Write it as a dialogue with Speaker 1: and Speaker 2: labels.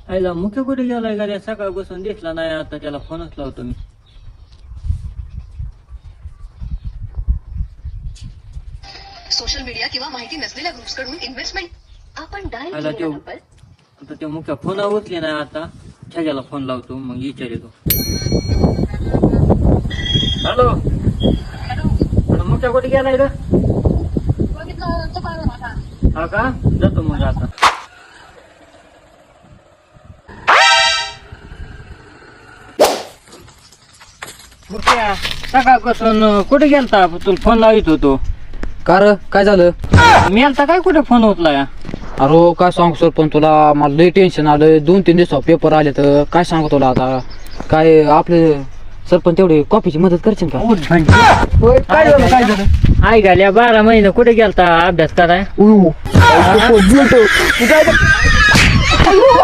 Speaker 1: आईला मुख्य कुठे गेलाय गाड्या सकाळपासून दिसला नाही आता त्याला फोनच लावतो मी.
Speaker 2: सोशल मीडिया किंवा माहिती नसलेल्या ग्रुप्सकडून इन्व्हेस्टमेंट आपण डायल
Speaker 1: आला
Speaker 2: केलेला
Speaker 1: तो
Speaker 2: नंबर
Speaker 1: आता त्या मुख्य फोन उचले नाही आता छाग्याला फोन लावतो मग विचारतो. हॅलो मुख्य कुठे गेलाय रे? हा का जातो मग आता. मुख्या सकाळपासून कुठे गेलता तुला फोन लावित होतो.
Speaker 3: कार काय झालं?
Speaker 1: मी आता काय कुठे फोन उचलाय?
Speaker 3: अरे काय सांगू सर, पण तुला मला लई टेन्शन आलं. 2-3 दिवसा पेपर आले तर काय सांगू तुला आता. काय आपले सरपंच तेवढे कॉफीची मदत करशील का?
Speaker 1: काय झालं? आई घाल्या 12 महिने कुठे गेलता अभ्यास कराय?